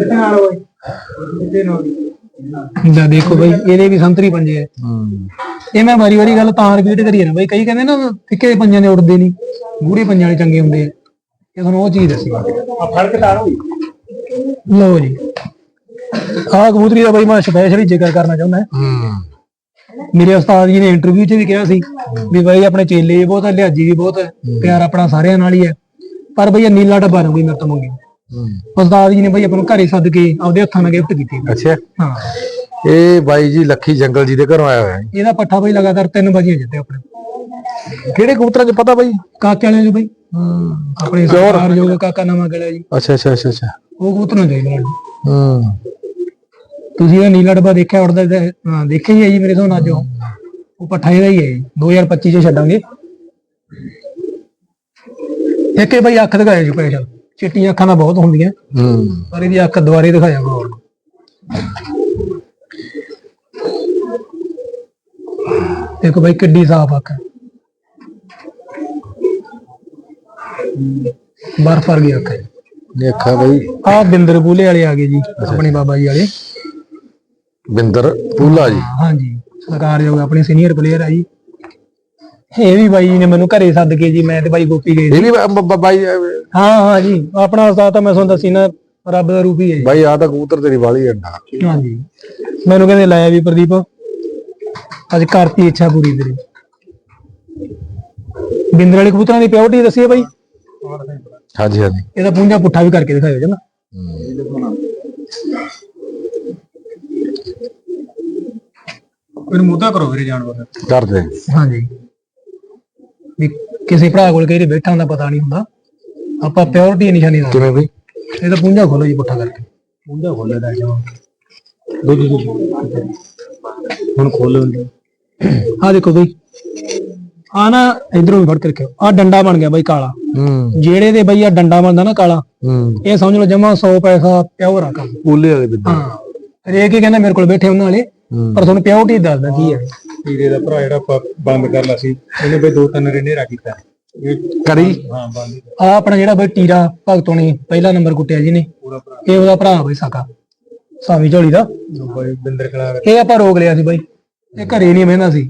ਦੇਖੋ ਬਾਈ ਇਹਦੇ ਵੀ ਸੰਤਰੀ ਪੰਜੇ ਆ। ਇਹ ਮੈਂ ਵਾਰੀ ਗੱਲ ਤਾਂ ਰਿਪੀਟ ਕਰੀ ਜਾਣਾ ਬਾਈ। ਕਈ ਕਹਿੰਦੇ ਨਾ ਫਿੱਕੇ ਪੰਜਾਂ ਦੇ ਉੱਡਦੇ ਨਹੀਂ, ਗੂੜੇ ਪੰਜਾਂ ਵਾਲੇ ਚੰਗੇ ਹੁੰਦੇ ਆ। ਇਹ ਤੁਹਾਨੂੰ ਉਹ ਚੀਜ਼ ਦੱਸੀ ਆ। ਫਰਕ ਤਾਂ ਹੋਈ ਲਓ ਜੀ, ਆਹ ਕਬੂਤਰੀ ਦਾ ਬਾਈ ਮੈਂ ਸਪੈਸ਼ਲੀ ਜ਼ਿਕਰ ਕਰਨਾ ਚਾਹੁੰਦਾ। ਮੇਰੇ ਉਸਤਾਦ ਜੀ ਨੇ ਇੰਟਰਵਿਊ 'ਚ ਵੀ ਕਿਹਾ ਸੀ ਵੀ ਬਾਈ ਆਪਣੇ ਚੇਲੇ ਵੀ ਬਹੁਤ ਹੈ, ਲਿਹਾਜੀ ਵੀ ਬਹੁਤ ਹੈ, ਪਿਆਰ ਆਪਣਾ ਸਾਰਿਆਂ ਨਾਲ ਹੀ ਹੈ, ਪਰ ਬਈ ਇਹ ਨੀਲਾ ਡੱਬਾ ਨਾ ਬਈ ਮੇਰੇ ਤੋਂ ਮੰਗੀ। ਉਸਤਾਦ ਜੀ ਨੇ ਬਈ ਆਪਾਂ ਨੂੰ ਘਰੇ ਸੱਦ ਕੇ ਆਪਦੇ ਹੱਥਾਂ ਨਾਲ ਗਿਫਟ ਕੀਤੀ। ਅੱਛਾ, ਹਾਂ ਇਹ ਬਾਈ ਜੀ ਲੱਖੀ ਜੰਗਲ ਜੀ ਦੇ ਘਰੋਂ ਆਇਆ ਹੋਇਆ ਹੈ। ਇਹਦਾ ਪੱਠਾ ਬਈ ਲਗਾਤਾਰ 3 ਵਜੇ ਜਿੱਤੇ ਆਪਣੇ। ਕਿਹੜੇ ਕਬੂਤਰਾਂ 'ਚ ਪਤਾ ਬਾਈ? ਕਾਕੇ ਵਾਲਿਆਂ 'ਚ ਬਈ ਆਪਣੇ ਸਰਦਾਰ ਜੋਗ ਕਾਕਾ ਨਵਾਂ ਗਲਿਆ ਜੀ। ਅੱਛਾ ਅੱਛਾ ਅੱਛਾ ਅੱਛਾ, ਉਹ ਕਬੂਤਰਾਂ ਚਾਹੀਦੇ ਤੁਸੀਂ ਇਹ ਨੀਲਾ ਡੱਬਾ ਦੇਖਿਆ ਉੜਦਾ? ਹਾਂ ਦੇਖਿਆ ਹੀ ਹੈ ਜੀ ਮੇਰੇ ਹਿਸਾਬ ਨਾਲ। ਉਹ ਪੱਠਾ ਇਹਦਾ ਹੀ ਹੈ ਜੀ, 2025 ਚ ਛੱਡਾਂਗੇ। ਇੱਕ ਇਹ ਬਈ ਅੱਖ ਦਿਖਾਇਆ ਜੀ ਸਪੈਸ਼ਲ, ਚਿੱਟੀਆਂ ਅੱਖਾਂ ਤਾਂ ਬਹੁਤ ਹੁੰਦੀਆਂ ਪਰ ਇਹਦੀ ਅੱਖ ਦੁਬਾਰੇ ਦਿਖਾਇਆ ਕਰੋ। ਦੇਖੋ ਬਈ ਕਿੱਡੀ ਸਾਫ ਅੱਖ ਹੈ, ਬਰਫ ਵਰਗੀ ਅੱਖ ਹੈ। ਦੇਖਾ ਬਈ ਆਹ ਬਿੰਦਰ ਬੂਲੇ ਵਾਲੇ ਆ ਗਏ ਜੀ, ਆਪਣੇ ਬਾਬਾ ਜੀ ਵਾਲੇ ਬਿੰਦਰ ਪੂਲਾ ਜੀ। ਹਾਂਜੀ ਸਰਕਾਰਯੋਗ ਆਪਣੇ ਸੀਨੀਅਰ ਪਲੇਅਰ ਆ ਜੀ। ਇਹ ਵੀ ਬਾਈ ਜੀ ਨੇ ਮੈਨੂੰ ਘਰੇ ਸੱਦ ਕੇ ਜੀ, ਮੈਂ ਤੇ ਬਾਈ ਗੋਪੀ ਗਏ ਇਹ ਵੀ ਬਾਈ? ਹਾਂ ਜੀ, ਆਪਣਾ ਉਸਤਾਦ ਤਾਂ ਮੈਂ ਤੁਹਾਨੂੰ ਦੱਸੀ ਨਾ ਰੱਬ ਦਾ ਰੂਪ ਹੀ ਹੈ ਬਾਈ। ਆ ਤਾਂ ਕਬੂਤਰ ਤੇਰੀ ਵਾਲੀ ਅੱਡਾ। ਹਾਂਜੀ, ਮੈਨੂੰ ਕਹਿੰਦੇ ਲਾਇਆ ਵੀ ਪ੍ਰਦੀਪ ਅੱਜ ਕਰਤੀ ਇੱਛਾ ਪੂਰੀ ਤੇਰੀ। ਬਿੰਦਰ ਵਾਲੇ ਕਬੂਤਰਾਂ ਦੀ ਪਿਓਰਟੀ ਦੱਸੀਏ ਬਾਈ? ਹਾਂਜੀ ਹਾਂਜੀ, ਇਹਦਾ ਪੂੰਝਾ ਪੁੱਠਾ ਵੀ ਕਰਕੇ ਦਿਖਾਇਓ ਜਨਾ। ਮੈਨੂੰ ਮੁੱਦਾ ਕਰੋ ਵੀਰੇ ਜਾਨਵਰ ਕਰਦੇ। ਹਾਂਜੀ, ਵੀ ਕਿਸੇ ਭਰਾ ਕੋਲ ਕਈ ਬੈਠਾ ਹੁੰਦਾ ਪਤਾ ਨਹੀਂ ਹੁੰਦਾ, ਆਪਾਂ ਪਿਓਰਟੀ ਨਿਸ਼ਾਨੀ ਦਾ। ਕਿਵੇਂ ਬਈ? ਇਹਦਾ ਪੂੰਝਾ ਖੋਲੋ ਜੀ ਪੁੱਠਾ ਕਰਕੇ। ਮੁੱਦਾ ਖੋਲੇ ਦਾ ਜਾ ਹੁਣ ਖੋਲੋ। ਆ ਦੇਖੋ ਬਈ, ਆ ਨਾ ਇਧਰੋਂ ਵੀ ਫੜ ਕੇ ਰੱਖਿਓ। ਆ ਡੰਡਾ ਬਣ ਗਿਆ ਬਈ ਕਾਲਾ, ਜਿਹੜੇ ਦੇ ਬਈ ਆ ਡੰਡਾ ਬਣਦਾ ਨਾ ਕਾਲਾ, ਇਹ ਸਮਝ ਲਓ ਜਮਾ 100 ਪੈਸਾ ਪਿਓਰ ਆ ਕੰਮ। ਪੂਲੇ ਵਾਲੇ ਬਿੰਦਰ। ਹਾਂ, ਹਰੇਕ ਹੀ ਕਹਿੰਦਾ ਮੇਰੇ ਕੋਲ ਬੈਠੇ ਉਹਨਾਂ ਵਾਲੇ, ਪਰ ਤੁਹਾਨੂੰ ਪਿਓਰਟੀ ਦੱਸਦਾ ਕੀ ਹੈ। ਹੀਰੇ ਦਾ ਭਰਾ ਜਿਹੜਾ ਆਪਾਂ ਬੰਦ ਕਰ ਲਾ ਸੀ, ਇਹਨੇ ਬਈ 2-3 ਰੇਨੇਰਾ ਕੀਤਾ ਕਰੀ। ਹਾਂ ਬੰਦ। ਆ ਆਪਣਾ ਜਿਹੜਾ ਬਈ ਟੀਰਾ ਭਗਤੋਂ ਨੇ ਪਹਿਲਾ ਨੰਬਰ ਕੁੱਟਿਆ ਜੀ ਨੇ, ਇਹ ਉਹਦਾ ਭਰਾ ਬਈ ਸਾਕਾ ਸਾਵੀ ਝੋਲੀ ਦਾ। ਬਈ ਬਿੰਦਰ ਖੜਾ ਇਹ ਆਪਾਂ ਰੋਕ ਲਿਆ ਸੀ ਬਾਈ, ਇਹ ਘਰੇ ਨਹੀਂ ਬਹਿੰਦਾ ਸੀ।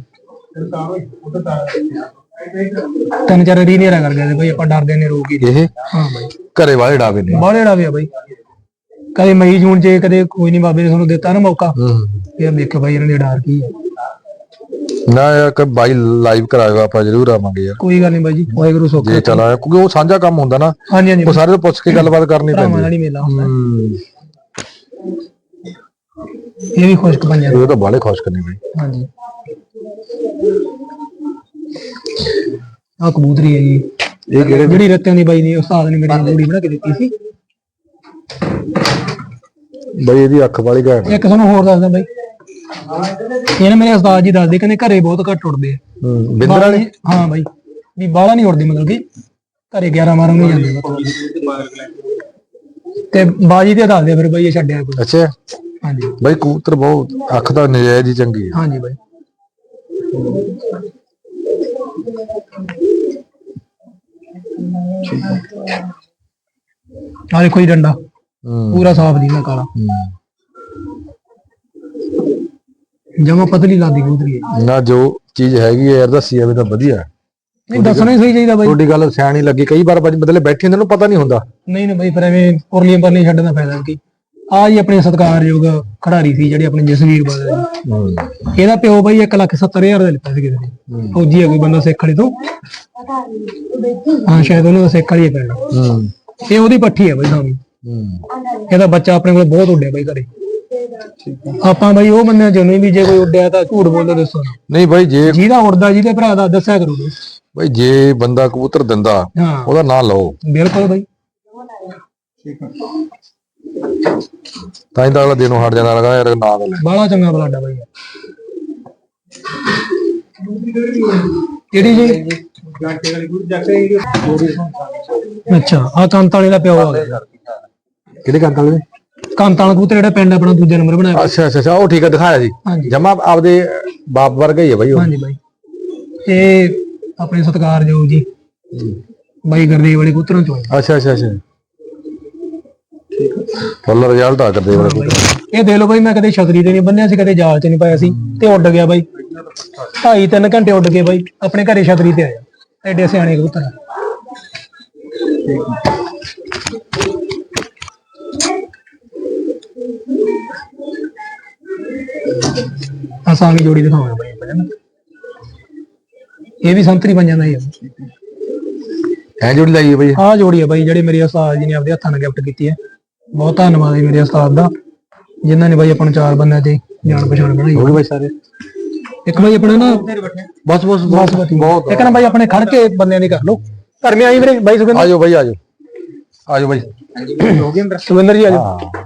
3-4 ਰੀਨੇਰਾ ਕਰ ਗਿਆ ਸੀ ਬਾਈ, ਆਪਾਂ ਡਰਦੇ ਨੇ ਰੋਕ ਹੀ। ਇਹ ਹਾਂ ਬਾਈ, ਘਰੇ ਵਾਲੇ ਡਾਵੇ ਨੇ। ਬਾਹਲੇ ਡਾਵੇ ਆ ਬਾਈ। ਕਦੇ ਮਈ ਜੂਨ ਚ ਕਦੇ ਕੋਈ ਨਹੀਂ, ਬਾਬੇ ਨੇ ਤੁਹਾਨੂੰ ਦਿੱਤਾ ਨਾ ਮੌਕਾ, ਫਿਰ ਦੇਖੋ ਬਾਈ ਇਹਨਾਂ ਦੇ ਡਰ ਕੀ ਹੈ। ਨਾ ਯਾਰ ਬਾਈ ਲਾਈਵ ਕਰਾਏਗਾ, ਆਪਾਂ ਜ਼ਰੂਰ ਆਵਾਂਗੇ ਯਾਰ। ਕੋਈ ਗੱਲ ਨਹੀਂ ਬਾਈ ਜੀ, ਵਾਹਿਗੁਰੂ ਸੁੱਖ ਜੇ ਚਲਾ, ਕਿਉਂਕਿ ਉਹ ਸਾਂਝਾ ਕੰਮ ਹੁੰਦਾ ਨਾ। ਹਾਂਜੀ ਹਾਂਜੀ, ਉਹ ਸਾਰੇ ਤੋਂ ਪੁੱਛ ਕੇ ਗੱਲਬਾਤ ਕਰਨੀ ਭਰਾਵਾਂ ਨਾਲ ਹੀ ਮੇਲਾ ਹੁੰਦਾ। ਇਹ ਵੀ ਖੁਸ਼ਕ ਪੰਜਾਂ ਇਹ ਤਾਂ ਬਾਲੇ ਖੁਸ਼ ਕਰਨੀ ਬਈ। ਹਾਂਜੀ, ਆ ਕਬੂਤਰੀ ਹੈ ਜੀ। ਇਹ ਕਿਹੜੇ? ਜਿਹੜੀ ਰੱਤਿਆਂ ਦੀ ਬਾਈ ਨੇ ਉਸਤਾਦ ਨੇ ਮੇਰੀ ਜੋੜੀ ਬਣਾ ਕੇ ਦਿੱਤੀ ਸੀ। ਬਈ ਇਹਦੀ ਅੱਖ ਵਾਲੀ ਘੈਂਟ। ਇੱਕ ਤੁਹਾਨੂੰ ਹੋਰ ਦੱਸਦਾ ਬਾਈ, ਇਹ ਨਾ ਮੇਰੇ ਉਸਤਾਦ ਜੀ ਦੱਸਦੇ ਕਹਿੰਦੇ ਘਰੇ ਬਹੁਤ ਘੱਟ ਉੱਡਦੇ ਆ ਬਿੰਦਰ ਵਾਲੇ। ਹਾਂ ਬਾਈ, ਵੀ ਬਾਹਲਾ ਨਹੀਂ ਉੱਡਦੇ, ਮਤਲਬ ਕਿ ਘਰੇ 11-12 ਨੂੰ ਜਾਂਦੇ ਤੇ ਬਾਜੀ ਤੇ ਦੱਸਦੇ ਫਿਰ ਬਾਈ ਇਹ ਛੱਡਿਆ ਕੋਈ। ਅੱਛਾ ਹਾਂਜੀ ਬਈ, ਕਬੂਤਰ ਬਹੁਤ ਅੱਖ ਤਾਂ ਨਜਾਇਜ਼ ਹੀ ਚੰਗੀ ਹੈ। ਹਾਂਜੀ ਬਾਈ, ਆ ਦੇਖੋ ਜੀ ਡੰਡਾ ਪੂਰਾ ਸਾਫ ਦੀ ਨਾ ਕਾਲਾ, ਜਮਾ ਪਤਲੀ ਲਾਦੀ ਕਬੂਤਰੀ ਹੈ। ਨਾ ਜੋ ਚੀਜ਼ ਹੈਗੀ ਹੈ ਯਾਰ ਦੱਸੀ ਜਾਵੇ ਤਾਂ ਵਧੀਆ। ਨਹੀਂ ਦੱਸਣਾ ਹੀ ਸਹੀ ਚਾਹੀਦਾ ਬਾਈ। ਤੁਹਾਡੀ ਗੱਲ ਸਿਆਣੀ ਲੱਗੀ। ਕਈ ਵਾਰ ਬਦਲੇ ਬੈਠੇ ਹੁੰਦੇ ਨੂੰ ਪਤਾ ਨਹੀਂ ਹੁੰਦਾ। ਨਹੀਂ ਬਾਈ, ਫਿਰ ਐਵੇਂ ਪੁਰਲੀਆਂ ਪਰਲੀਆਂ ਛੱਡਣ ਦਾ ਫਾਇਦਾ ਕੀ। ਆ ਜੀ ਆਪਣੇ ਸਤਿਕਾਰਯੋਗ ਖਿਡਾਰੀ ਸੀ ਜਿਹੜੇ ਆਪਣੇ ਜਸਵੀਰ ਬਾਦਲ, ਇਹਦਾ ਪਿਓ ਬਾਈ 1,70,000 ਦਾ ਲਿੱਤਾ ਸੀ ਕਿਸੇ ਨੇ। ਫੌਜੀ ਹੈ ਕੋਈ ਬੰਦਾ ਸਿੱਖ ਵਾਲੇ ਤੋਂ, ਹਾਂ ਸ਼ਾਇਦ ਉਹਨਾਂ ਦਾ ਸਿੱਖ ਵਾਲੀ ਪਿੰਡ। ਇਹ ਉਹਦੀ ਪੱਠੀ ਹੈ ਬਾਈ ਸਾਹਮਣੇ। ਇਹਦਾ ਬੱਚਾ ਆਪਣੇ ਕੋਲ ਬਹੁਤ ਉੱਡਿਆ ਬਾਈ ਘਰੇ। ਆਪਾਂ ਬਾਈ ਉਹ ਬੰਦਿਆਂ ਚੋਂ ਨਹੀਂ ਵੀ ਜੇ ਕੋਈ ਉੱਡਿਆ ਤਾਂ ਝੂਠ ਬੋਲੋ ਦੱਸੋ। ਨਹੀਂ ਬਾਈ, ਜੇ ਜਿਹਦਾ ਉੱਡਦਾ ਜਿਹਦੇ ਭਰਾ ਦਾ ਦੱਸਿਆ ਕਰੋ ਬਾਈ। ਜੇ ਬੰਦਾ ਕਬੂਤਰ ਦਿੰਦਾ ਉਹਦਾ ਨਾਂ ਲਓ। ਬਿਲਕੁਲ ਬਾਈ, ਤਾਂ ਹੀ ਤਾਂ ਅਗਲਾ ਦਿਨੋਂ ਹਟ ਜਾਂਦਾ ਲਗਾ ਯਾਰ ਨਾਂ ਦਾ ਲੈ। ਬਾਹਲਾ ਚੰਗਾ ਬਲਾਡਾ ਬਾਈ। ਕਿਹੜੀ ਜੀ? ਅੱਛਾ, ਆ ਕੰਤ ਵਾਲੇ ਦਾ ਪਿਓ ਆ ਗਿਆ। ਕਿਹੜੇ ਕੰਤ ਵਾਲੇ? ਕੰਤ ਵਾਲਾ ਕਬੂਤਰ ਜਿਹੜਾ ਪਿੰਡ ਆਪਣਾ ਦੂਜਾ ਨੰਬਰ ਬਣਾਇਆ। ਅੱਛਾ ਅੱਛਾ, ਉਹ ਠੀਕ ਹੈ, ਦਿਖਾਇਆ ਸੀ ਜਮਾ ਆਪਦੇ ਬਾਪ ਵਰਗਾ ਹੀ ਹੈ ਬਾਈ ਉਹ। ਹਾਂਜੀ ਬਾਈ, ਇਹ ਆਪਣੇ ਸਤਿਕਾਰਯੋਗ ਜੀ ਬਾਈ ਗੁਰਦੇਵ ਵਾਲੇ ਕਬੂਤਰਾਂ ਚੋਂ। ਅੱਛਾ ਅੱਛਾ ਅੱਛਾ, ਫੁੱਲ ਰਿਜ਼ਲਟ ਆ ਕਰਦੇ ਵਾਲੇ। ਇਹ ਦੇ ਲੋ ਬਾਈ, ਮੈਂ ਕਦੇ ਛਤਰੀ ਤੇ ਨਹੀਂ ਬੰਨਿਆ ਸੀ, ਕਦੇ ਜਾਲ ਚ ਨਹੀਂ ਪਾਇਆ ਸੀ, ਤੇ ਉੱਡ ਗਿਆ ਬਾਈ। 2.5-3 ਘੰਟੇ ਉੱਡ ਕੇ ਬਾਈ ਆਪਣੇ ਘਰੇ ਛਤਰੀ ਤੇ ਆਇਆ। ਐਡੇ ਸਿਆਣੇ ਕਬੂਤਰ ਆ। ਆਸਾਂਗੀ ਜੋੜੀ ਦਿਖਾਵਾਂਗਾ ਬਾਈ ਆਪਾਂ ਨਾ। ਇਹ ਵੀ ਸੰਤਰੀ ਬਣ ਜਾਂਦਾ ਹੀ ਆ। ਐ ਜੋੜੀ ਲਾਈ ਹੈ ਬਾਈ? ਆਹ ਜੋੜੀ ਆ ਬਾਈ ਜਿਹੜੇ ਮੇਰੇ ਉਸਤਾਦ ਜੀ ਨੇ ਆਪਦੇ ਹੱਥਾਂ ਨਾਲ ਗਿਫਟ ਕੀਤੀ ਹੈ। ਬਹੁਤ ਧੰਨਵਾਦ ਹੈ ਮੇਰੇ ਉਸਤਾਦ ਦਾ, ਜਿਨ੍ਹਾਂ ਨੇ ਬਾਈ ਆਪਾਂ ਨੂੰ 4 ਬੰਦਿਆਂ ਤੇ ਜਾਣ ਪਛਾਣ ਬਣਾਈ ਹੋ ਗਏ ਬਾਈ ਸਾਰੇ? ਇੱਕ ਬਾਈ ਆਪਣੇ ਨਾ ਬਸ ਬਹੁਤ ਇੱਕ ਨਾ ਬਾਈ ਆਪਣੇ ਖੜ ਕੇ ਬੰਦਿਆਂ ਦੀ ਕਰ ਲਓ। ਘਰ ਮੇ ਆਈ ਵੀਰੇ ਬਾਈ ਸੁਖਿੰਦਰ। ਆਜੋ ਬਾਈ ਆਜੋ ਆਜੋ ਬਾਈ। ਸੁਖਿੰਦਰ ਜੀ ਆਜੋ।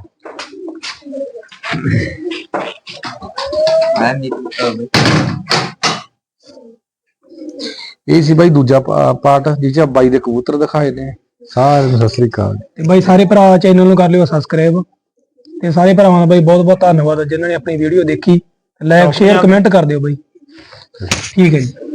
ਇਹ ਸੀ ਬਾਈ ਦੂਜਾ ਪਾਰਟ ਜਿਸ ਚ ਬਾਈ ਦੇ ਕਬੂਤਰ ਦਿਖਾਏ ਨੇ। ਸਾਰਿਆਂ ਨੂੰ ਸਤਿ ਸ੍ਰੀ ਅਕਾਲ। ਤੇ ਬਾਈ ਸਾਰੇ ਭਰਾ ਚੈਨਲ ਨੂੰ ਕਰ ਲਿਓ ਸਬਸਕ੍ਰਾਈਬ, ਤੇ ਸਾਰੇ ਭਰਾਵਾਂ ਦਾ ਬਾਈ ਬਹੁਤ ਬਹੁਤ ਧੰਨਵਾਦ ਜਿਨ੍ਹਾਂ ਨੇ ਆਪਣੀ ਵੀਡੀਓ ਦੇਖੀ। ਲਾਈਕ ਸ਼ੇਅਰ ਕਮੈਂਟ ਕਰ ਦਿਓ ਬਾਈ। ਠੀਕ ਹੈ ਜੀ।